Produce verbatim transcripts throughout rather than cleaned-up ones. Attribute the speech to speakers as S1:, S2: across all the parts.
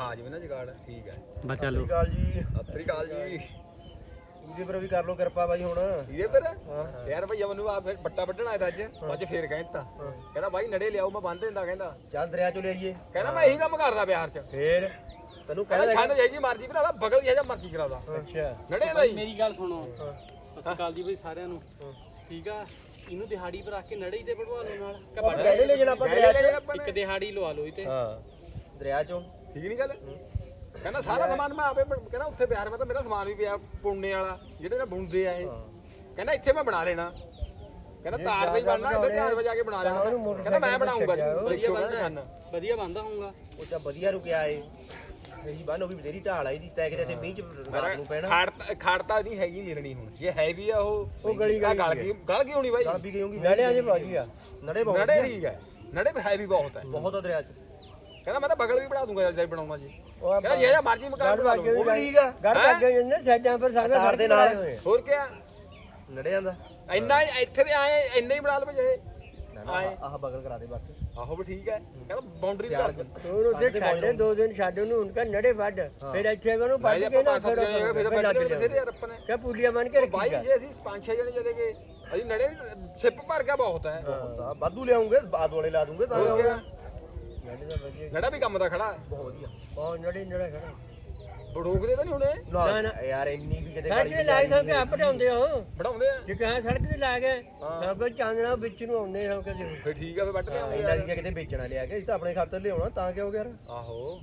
S1: ਖਾ ਜਿਵੇਂ ਨਾ ਜਗਾੜ ਠੀਕ ਹੈ
S2: ਬਾ ਚਲੋ
S3: ਕਾਲ ਜੀ
S1: ਸਤਿ ਸ੍ਰੀ ਅਕਾਲ ਜੀ
S3: ਇਹਦੇ ਪਰ ਵੀ ਕਰ ਲੋ ਕਿਰਪਾ ਬਾਈ ਹੁਣ
S1: ਇਹਦੇ ਪਰ ਯਾਰ ਭਈਆ ਮੈਨੂੰ ਆ ਫਿਰ ਬੱਟਾ ਵੱਢਣ ਆਇਆ ਅੱਜ ਅੱਜ ਫੇਰ ਕਹਿੰਦਾ ਕਹਿੰਦਾ ਬਾਈ ਨੜੇ ਲਿਆਓ ਮੈਂ ਬੰਨ ਦਿੰਦਾ ਕਹਿੰਦਾ
S3: ਚੱਲ ਦਰਿਆ ਚੋਂ ਲਿਆਈਏ
S1: ਕਹਿੰਦਾ ਮੈਂ ਇਹੀ ਕੰਮ ਕਰਦਾ ਬਿਹਾਰ ਚ
S3: ਫੇਰ ਤੈਨੂੰ
S1: ਕਹਿੰਦਾ
S3: ਕਹਿੰਦਾ
S1: ਛੰਦ ਜਾਈ ਮਰਜੀ ਬਣਾ ਲਾ ਬਗਲ ਦੀ ਜਾਂ ਮਰਜੀ ਕਰਾਦਾ
S3: ਅੱਛਾ
S1: ਨੜੇ ਦਾ ਹੀ
S2: ਮੇਰੀ ਗੱਲ ਸੁਣੋ ਸਤਿ ਸ਼੍ਰੀ ਅਕਾਲ ਜੀ ਬਈ ਸਾਰਿਆਂ ਨੂੰ ਠੀਕ ਆ ਇਹਨੂੰ ਦਿਹਾੜੀ ਪਰ ਰੱਖ ਕੇ ਨੜੇ ਹੀ ਤੇ ਵਢਵਾ ਲਓ ਨਾਲ
S3: ਆਪਾਂ ਪਹਿਲੇ ਲੈ ਜਾਣਾ ਆਪਾਂ ਦਰਿਆ ਚ
S2: ਇੱਕ ਦਿਹਾੜੀ ਲਵਾ ਲਓ ਇਹ ਤੇ
S3: ਹਾਂ ਦਰਿਆ ਚੋਂ
S1: ਠੀਕ ਨਹੀਂ ਗੱਲ ਕਹਿੰਦਾ ਸਾਰਾ ਸਮਾਨ ਮੈਂ ਆਪੇ ਬਣ- ਕਹਿੰਦਾ ਉੱਥੇ ਬਿਹਾਰ ਮੈਂ ਤਾਂ ਮੇਰਾ ਸਮਾਨ ਵੀ ਪਿਆ ਪੁੰਨੇ ਵਾਲਾ ਜਿਹੜੇ ਨਾ ਬੁਣਦੇ ਆ ਇਹ ਕਹਿੰਦਾ ਇੱਥੇ ਮੈਂ ਬਣਾ ਲੈਣਾ ਕਹਿੰਦਾ ਤਾਰ ਦਾ ਹੀ ਬਣਨਾ ਇੱਥੇ ਚਾਰ ਵਜੇ ਆ ਕੇ ਬਣਾ ਲੈਣਾ ਕਹਿੰਦਾ ਮੈਂ ਬਣਾਉਂਗਾ ਜੀ ਵਧੀਆ ਬਣਦਾ
S2: ਵਧੀਆ ਬੰਦਾ ਹੋਊਗਾ
S3: ਉਹ ਤਾਂ ਵਧੀਆ ਰੁਕਿਆ ਏ ਸਹੀ ਬੰਨ ਉਹ ਵੀ ਬਥੇਰੀ ਢਾਲ ਆਈ ਦੀ ਤੈ ਕਿਤੇ ਇੱਥੇ ਮੀਂਹ ਚ ਰਾਤ ਨੂੰ ਪੈਣਾ
S1: ਖਾੜ ਖਾੜਤਾ ਨਹੀਂ ਹੈਗੀ ਮਿਲਣੀ ਹੁਣ ਜੇ ਹੈ ਵੀ ਆ ਉਹ
S3: ਉਹ ਗਲੀ ਗਲੀ
S1: ਗਲ ਗਈ ਗਲ ਗਈ ਹੋਣੀ ਬਾਈ
S3: ਗਲ ਵੀ ਗਈ ਹੋਊਗੀ ਨੜੇ ਅਜੇ ਬਾਜੀ ਆ ਨੜੇ ਬਹੁਤ
S1: ਨੜੇ ਠੀਕ ਹੈ ਨੜੇ ਹੈ ਵੀ ਬਹੁਤ ਹੈ
S3: ਬਹੁਤ ਆ ਦਰਿਆ ਚ
S1: ਕਹਿੰਦਾ ਮੈਂ ਤਾਂ ਬਗਲ ਵੀ ਬਣਾ ਦੂੰਗਾ ਜੇ ਬਣਾਉਣਾ ਜੀ ਕਹਿੰਦਾ ਜੇ ਮਰਜੀ ਮਕਾਨ ਬਣਾ ਲਓ
S3: ਉਹ ਵੀ ਠੀਕ ਆ
S4: ਘਰ ਲੱਗੇ ਜਾਂਦੇ ਸਾਈਡਾਂ ਪਰ ਸਾਰੇ
S3: ਤਾਰ ਦੇ ਨਾਲ
S1: ਹੋਰ ਕਿਆ
S3: ਨੜਿਆਂ ਦਾ
S1: ਇੰਨਾ ਇੱਥੇ ਤੇ ਆਏ ਇੰਨਾ ਹੀ ਬਣਾ ਲਵੇ ਜੇ ਆਏ
S3: ਆਹ ਬਗਲ ਕਰਾ ਦੇ ਬਸ
S1: ਆਹੋ ਵੀ ਠੀਕ ਹੈ ਕਹਿੰਦਾ ਬਾਉਂਡਰੀ ਕਰ ਦੇ
S4: ਹੋਰ ਉੱਥੇ ਛੱਡੇ ਦੋ ਦਿਨ ਛੱਡ ਉਹਨੂੰ ਉਨਕਾ ਨੜੇ ਵੱਢ ਫਿਰ ਇੱਥੇ ਉਹਨੂੰ ਵੱਢ ਕੇ ਨਾ ਫਿਰ
S1: ਫਿਰ ਤਾਂ ਬੈਠੇ ਬਥੇਰੇ ਯਾਰ ਆਪਾਂ ਨੇ
S4: ਕਹ ਪੁਲੀਆ ਬਣ ਕੇ
S1: ਬਾਈ
S4: ਰੱਖੀ
S1: ਜੇ ਅਸੀਂ ਪੰਜ ਛੇ ਜਣੇ ਜਦੇ ਗਏ ਅਸੀਂ ਨੜੇ ਸਿੱਪ ਭਰ ਗਿਆ ਬਹੁਤ ਹੈ
S3: ਬਹੁਤ ਆ ਵਾਧੂ ਲਿਆਉਂਗੇ ਬਾਦ ਵਾਲੇ ਲਾ ਦੂੰਗੇ ਤਾਂ
S1: ਹੋਰ ਕਿਆ?
S4: ਨੜੇ ਦਾ ਵਧੀਆ
S1: ਨੜਾ ਵੀ ਕੰਮ ਦਾ ਖੜਾ ਹੈ
S3: ਬਹੁਤ ਵਧੀਆ
S4: ਬਹੁਤ ਨੜੇ ਨੜਾ ਖੜਾ
S1: ਰੋਕਦੇ ਤਾਂ ਨਹੀਂ ਹੁਣੇ
S3: ਨਾ
S4: ਨਾ।
S3: ਯਾਰ ਇੰਨੀ ਵੀ ਕਿਤੇ
S4: ਸੜਕ ਤੇ ਲਾਈ ਤਾਂ ਕਿ ਆਪ ਢਾਉਂਦੇ ਹੋ
S1: ਬਣਾਉਂਦੇ ਆ
S4: ਜੇ ਕਹਾਂ ਸੜਕ ਤੇ ਲਾ ਗਏ ਸਭ ਕੁਝ ਚਾਨਣਾ ਵਿੱਚ ਨੂੰ ਆਉਂਦੇ ਹੋ ਕਦੇ
S1: ਫਿਰ ਠੀਕ ਆ ਫਿਰ ਵੱਟ ਲਿਆਉਂਦੇ
S3: ਇੰਨਾ
S1: ਆ
S3: ਵੀ ਕਿਤੇ ਵੇਚਣਾ ਲਿਆ ਕੇ ਇਹ ਤਾਂ ਆਪਣੇ ਖਾਤਰ ਲਿਆਉਣਾ ਤਾਂ ਕਿਉਂ ਯਾਰ
S1: ਆਹੋ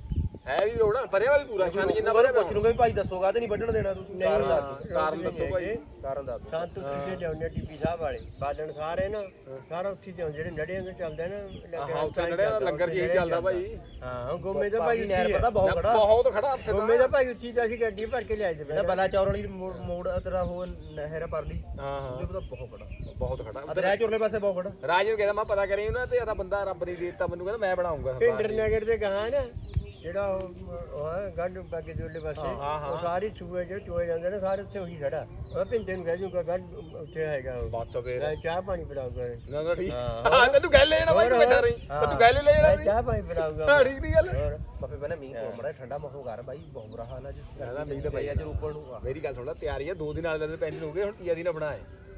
S1: ਹੈ ਵੀ ਲੋੜ ਆ ਭਰਿਆ ਵੀ ਪੂਰਾ ਛੰਨ ਜਿੰਨਾ
S3: ਉਹਨੂੰ
S1: ਭਰਿਆ
S3: ਪੁੱਛ ਲੂੰਗਾ ਵੀ ਭਾਈ ਦੱਸੋਗਾ ਤੇ ਨਹੀਂ ਵੱਢਣ ਦੇਣਾ ਤੁਸੀਂ ਕਾਰਨ ਦੱਸ ਦਿਓ
S1: ਕਾਰਨ ਦੱਸੋ ਭਾਈ
S3: ਕਾਰਨ ਦੱਸ ਦਿਓ
S4: ਸੰਤ ਉੱਥੇ ਤੇ ਆਉਂਦੇ ਟੀਪੀ ਸਾਹਿਬ ਵਾਲੇ ਬਾਲਣ ਸਾਰੇ ਨਾ ਸਾਰਾ ਉੱਥੇ ਤੇ ਜਿਹੜੇ ਨੜਿਆਂ ਦੇ ਚੱਲਦੇ ਨਾ
S1: ਹਾਂ ਉੱਥੇ ਨੜਿਆ ਦਾ ਲੰਗਰ ਜੀ ਚੱਲਦਾ ਭਾਈ
S4: ਹਾਂ ਗੋਮੇ ਦਾ ਭਾਈ
S3: ਨਹਿਰ ਪਤਾ ਬਹੁਤ ਖੜਾ
S1: ਬਹੁਤ ਖੜਾ ਉੱਥੇ
S4: ਗੋਮੇ ਦਾ ਭਾਈ ਉੱਚੀ ਤਾਂ ਅਸੀਂ ਗੱਡੀ ਭਰ ਕੇ ਲਿਆਏ ਤੇ
S3: ਜਿਹੜਾ ਬਲਾ ਚੌਰ ਵਾਲੀ ਮੋੜ ਮੋੜ ਤੇਰਾ ਉਹ ਨਹਿਰ ਪਰਲੀ
S1: ਹਾਂ ਹਾਂ
S3: ਉਹਦੇ ਪਤਾ ਬਹੁਤ ਖੜਾ
S1: ਬਹੁਤ ਖੜਾ
S3: ਆ ਦਰਿਆ ਚੋਰਲੇ ਪਾਸੇ ਬਹੁਤ ਖੜਾ
S1: ਰਾਜ ਨੂੰ ਕਹਿੰਦਾ ਮੈਂ ਪਤਾ ਕਰੀ ਉਹਨਾਂ ਤੇ ਆਦਾ ਬੰਦਾ ਰੱਬ ਨੇ ਦੇ ਦਿੱਤਾ ਮੈਨੂੰ ਕਹਿੰਦਾ ਮੈਂ ਬਣਾਉਂਗਾ
S4: ਪਿੰਡਰ ਨਗਰ ਦੇ ਗਾਂ ਨਾ ਜਿਹੜਾ ਉਹ ਉਹ ਹੈ ਗੰਢ ਬਾਗੇ ਦੇ ਉੱਲੇ ਪਾਸੇ
S1: ਹਾਂ, ਹਾਂ।
S4: ਉਹ ਸਾਰੀ ਚੂਹੇ ਜਿਹੜੇ ਚੋਏ ਜਾਂਦੇ ਨੇ ਸਾਰੇ ਉੱਥੇ ਉਹੀ ਖੜਾ ਉਹ ਪਿੰਡੇ ਨੂੰ ਕਹਿ ਜੂਗਾ ਗੰਢ ਉੱਥੇ ਹੈਗਾ ਉਹ
S1: ਬਾਤ ਸੋ ਫੇਰ
S4: ਮੈਂ ਚਾਹ ਪਾਣੀ ਪਿਲਾਊਗਾ
S1: ਨਾ ਨਾ ਠੀਕ
S4: ਹਾਂ।
S1: ਹਾਂ ਤੈਨੂੰ ਗੱਲ ਲੈਣਾ ਬਾਈ ਤੂੰ ਬੈਠਾ ਰਹੀ ਤੈਨੂੰ ਗੱਲ ਲੈ
S4: ਮੈਂ
S1: ਜਾਣਾ
S4: ਚਾਹ ਪਾਣੀ ਪਿਲਾਊਗਾ
S1: ਹਾਂ ਠੀਕ ਦੀ ਗੱਲ
S3: ਹੋਰ ਬਾਪੇ ਪਹਿਲਾਂ ਮੀਂਹ ਕੋਲ ਮੜਾ ਠੰਡਾ ਮੌਸਮ ਕਰ ਬਾਈ ਬਹੁਤ ਬੁਰਾ ਹਾਲ ਅੱਜ
S1: ਕਹਿੰਦਾ ਮੀਂਹ ਤਾਂ ਪਈ
S3: ਅੱਜ ਰੋਪੜ ਨੂੰ ਆ
S1: ਮੇਰੀ ਗੱਲ ਸੁਣ ਲੈ ਤਿਆਰੀ ਆ ਦੋ ਦਿਨ ਵਾਲੇ ਦਿਨ ਪੈਂਡਿੰਗ ਹੋ ਗਏ ਹੁਣ ਤੀਆ ਦਿਨ ਬਣਾਏ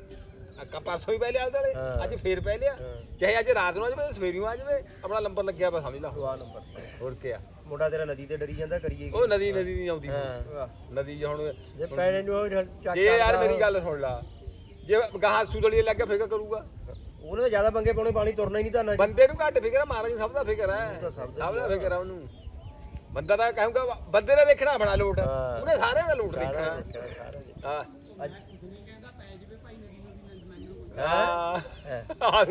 S1: ਅੱਕਾ ਪਰਸੋਂ ਹੀ ਪਹਿਲੇ ਆਲੇ
S4: ਹਾਂ।
S1: ਅੱਜ ਫੇਰ ਪਹਿਲਿਆ ਚਾਹੇ ਅੱਜ ਰਾਤ ਨੂੰ ਆ ਜਾਵੇ ਸਵੇਰ ਨੂੰ ਆ ਜਾਵੇ ਆਪਣਾ ਨੰਬਰ ਲੱਗਿਆ ਬਸ ਸਮਝ ਲਾ
S3: ਦੁਆ ਨੰਬਰ
S1: ਹੋਰ ਕੀ ਆ
S3: ਮੁੰਡਾ ਤੇਰਾ ਨਦੀ ਤੇ ਡਰੀ ਜਾਂਦਾ ਕਰੀਏ ਕੀ
S1: ਉਹ ਨਦੀ ਨਦੀ ਨਹੀਂ ਆਉਂਦੀ
S4: ਹਾਂ
S3: ਵਾਹ।
S1: ਨਦੀ ਜੇ ਹੁਣ
S4: ਜੇ ਪੈਣੇ ਨੂੰ ਉਹ ਚੱਕ
S1: ਜੇ ਯਾਰ ਮੇਰੀ ਗੱਲ ਸੁਣ ਲਾ ਜੇ ਗਾਹਾਂ ਸੁਦੜੀ ਲੱਗ ਗਿਆ ਫਿਕਰ ਕਰੂਗਾ
S3: ਉਹਨੇ ਤਾਂ ਜ਼ਿਆਦਾ ਪੰਗੇ ਪਾਉਣੇ ਪਾਣੀ ਤੁਰਨਾ ਹੀ ਨਹੀਂ ਤਾਂ
S1: ਬੰਦੇ ਨੂੰ ਘੱਟ ਫਿਕਰ ਆ ਮਹਾਰਾਜ ਸਭ ਦਾ ਫਿਕਰ ਹੈ
S3: ਉਹ ਤਾਂ ਸਭ ਦਾ
S1: ਸਭ ਦਾ ਫਿਕਰ ਆ ਉਹਨੂੰ ਬੰਦਾ ਤਾਂ ਕਹੂੰਗਾ ਬੰਦੇ ਨੇ ਦੇਖਣਾ ਬਣਾ ਲੋਟ
S4: ਹਾਂ।
S1: ਉਹਨੇ ਸਾਰਿਆਂ ਦਾ ਲੋਟ
S4: ਸਾਰਾ
S1: ਦੇਖਣਾ
S4: ਦੇਖਿਆ, ਸਾਰਾ ਦੇਖਿਆ।
S1: ਹਾਂ
S3: ਅੱਜ
S1: ਹਾਂ
S4: ਹਾਂ।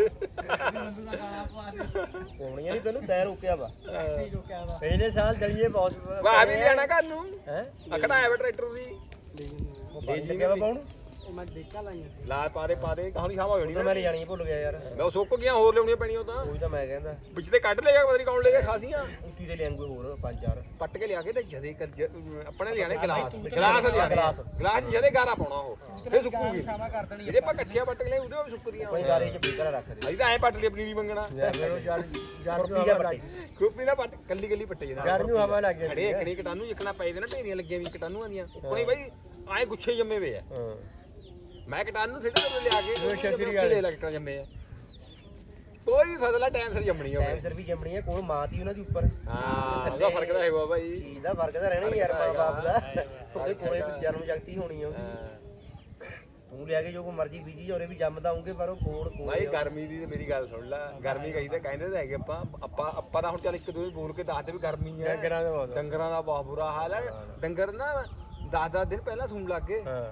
S3: ਪੌਣੀਆਂ ਨਹੀਂ ਤੈਨੂੰ ਤੈ ਰੋਕਿਆ ਵਾ
S4: ਪਹਿਲੇ ਸਾਲ ਦਲੀਏ ਬਹੁਤ
S1: ਵਾਹ ਵੀ ਲਿਆਣਾ ਘਰ ਨੂੰ
S4: ਹੈ
S1: ਅਖੜਾ ਆਇਆ ਵਾ ਟਰੈਕਟਰ ਵੀ
S3: ਉਹ ਪਾਣੀ ਲੱਗਿਆ ਵਾ ਪਾਉਣ
S4: ਉਹ ਮੈਂ ਦੇਖਾ ਲਾਈਆਂ
S1: ਲਾ ਪਾਰੇ ਪਾਰੇ ਕਹਾਣੀ ਸਾਵਾ ਹੋਣੀ
S3: ਤਾਂ ਮੈਂ ਲੈ ਜਾਣੀ ਭੁੱਲ ਗਿਆ ਯਾਰ
S1: ਮੈਂ ਉਹ ਸੁੱਕ ਗਿਆ ਹੋਰ ਲਿਆਉਣੀਆਂ ਪੈਣੀਆਂ ਤਾਂ
S3: ਉਹੀ ਤਾਂ ਮੈਂ ਕਹਿੰਦਾ
S1: ਵਿੱਚ ਤੇ ਕੱਢ ਲੇਗਾ ਪਤਾ ਨਹੀਂ ਕੌਣ ਲੇਗਾ ਖਾਸੀਆਂ
S3: ਉੱਤੀ ਦੇ ਲਿਆਂਗੇ ਹੋਰ ਪੰਜ ਚਾਰ
S1: ਪੱਟ ਕੇ ਲਿਆ ਕੇ ਤੇ ਜਦੇ ਕਰ ਜ- ਆਪਣੇ ਲਿਆਣੇ ਗਲਾਸ ਗਲਾਸ ਲਿਆਣੇ
S3: ਗਲਾਸ।
S1: ਗਲਾਸ ਜਦੇ ਗਾਰਾ ਪਾਉਣਾ ਉਹ ਫੇਰ ਸੁੱਕੂਗੀ ਜੇ ਆਪਾਂ ਇਕੱਠੀਆਂ ਪੱਟ ਕੇ ਲਿਆ ਉਹਦੇ ਵੀ ਸੁੱਕਦੀਆਂ
S3: ਕੋਈ ਗਾਰੇ ਚ ਬੀਕਰ ਰੱਖ ਦੇ
S1: ਅਸੀਂ ਤਾਂ ਐ ਪੱਟ ਲਈ ਆਪਣੀ ਨਹੀਂ ਮੰਗਣਾ
S4: ਯਾਰ ਜੜ ਜੜ ਨੂੰ
S3: ਕੁਰਪੀ ਜਿਹਾ
S4: ਹਵਾ
S3: ਪੱਟੀ।
S4: ਲੱਗ
S1: ਖੂਪੀ ਨਾ ਪੱਟ ਕੱਲੀ ਕੱਲੀ ਪੱਟੇ
S4: ਜੜ
S1: ਜਨਾ
S4: ਨੂੰ ਹਵਾ ਲੱਗ
S1: ਖੜੇ
S4: ਜਾਂਦੀ ਹੈ
S1: ਇੱਕਣੀ ਕਟਾਨੂੰ ਜਿੱਕਣਾ ਪਏ ਦੇ ਨਾ ਢੇਰੀਆਂ ਲੱਗੀਆਂ ਵੀ ਕਟਾਨੂਆਂ ਦੀਆਂ ਉੱਪਣੇ ਬਾਈ ਆਏ ਗੁੱਛੇ ਜੰਮੇ ਵੇ ਆ
S4: ਹਾਂ
S1: ਮੈਂ ਕਟਾਨੂੰ ਸਿੱਟੇ ਤੇ ਲਿਆ ਕੇ
S4: ਉਹ ਛਤਰੀ
S1: ਉੱਥੇ
S4: ਵਾਲੇ।
S1: ਲੈ ਲੱਗ ਜੰਮੇ ਆ ਕੋਈ ਵੀ ਫਸਲ ਆ ਟਾਈਮ ਸਿਰ ਜੰਮਣੀ
S3: ਟਾਈਮ
S1: ਹੋਵੇ
S3: ਸਿਰ ਵੀ ਜੰਮਣੀ ਹੈ ਕੋਲ ਮਾਂ ਤੀ ਉਹਨਾਂ ਦੀ ਉੱਪਰ
S1: ਹਾਂ ਉਹਦਾ ਫਰਕ ਤਾਂ ਹੈਗਾ ਬਾਈ
S3: ਚੀਜ਼ ਦਾ ਫਰਕ ਤਾਂ ਰਹਿਣਾ ਹੀ ਯਾਰ ਮਾਂ ਬਾਪ ਦਾ ਉਹਦੇ ਕੋਲੇ ਵੀ ਜਨਮ ਜਗਤੀ ਹੋਣੀ ਆ ਉਹਦੀ
S1: ਹਾਂ।
S3: ਤੂੰ ਲਿਆ ਕੇ ਜੋ ਕੋ ਮਰਜ਼ੀ ਬੀਜੀ ਜਾਉਰੇ ਵੀ ਜੰਮਦਾ ਆਉਂਗੇ ਪਰ ਉਹ ਕੋਲ ਕੋਲ
S1: ਭਾਈ ਗਰਮੀ ਦੀ ਤੇ ਮੇਰੀ ਗੱਲ ਸੁਣ ਲੈ ਗਰਮੀ ਕਹੀ ਤਾਂ ਕਹਿੰਦੇ ਤਾਂ ਹੈਗੇ ਆਪਾਂ ਆਪਾਂ ਆਪਾਂ ਤਾਂ ਹੁਣ ਚੱਲ ਇੱਕ ਦੋ ਬੋਲ ਕੇ ਦੱਸਦੇ ਵੀ ਗਰਮੀ ਹੈ
S4: ਡੰਗਰਾਂ ਦਾ ਬਹੁਤ
S1: ਡੰਗਰਾਂ ਦਾ ਬਹੁਤ ਬੁਰਾ ਹਾਲ ਹੈ ਡੰਗਰ ਨਾ ਦਸ ਦਸ ਦਿਨ ਪਹਿਲਾਂ ਸੂਣ ਲੱਗ ਗਏ
S4: ਹਾਂ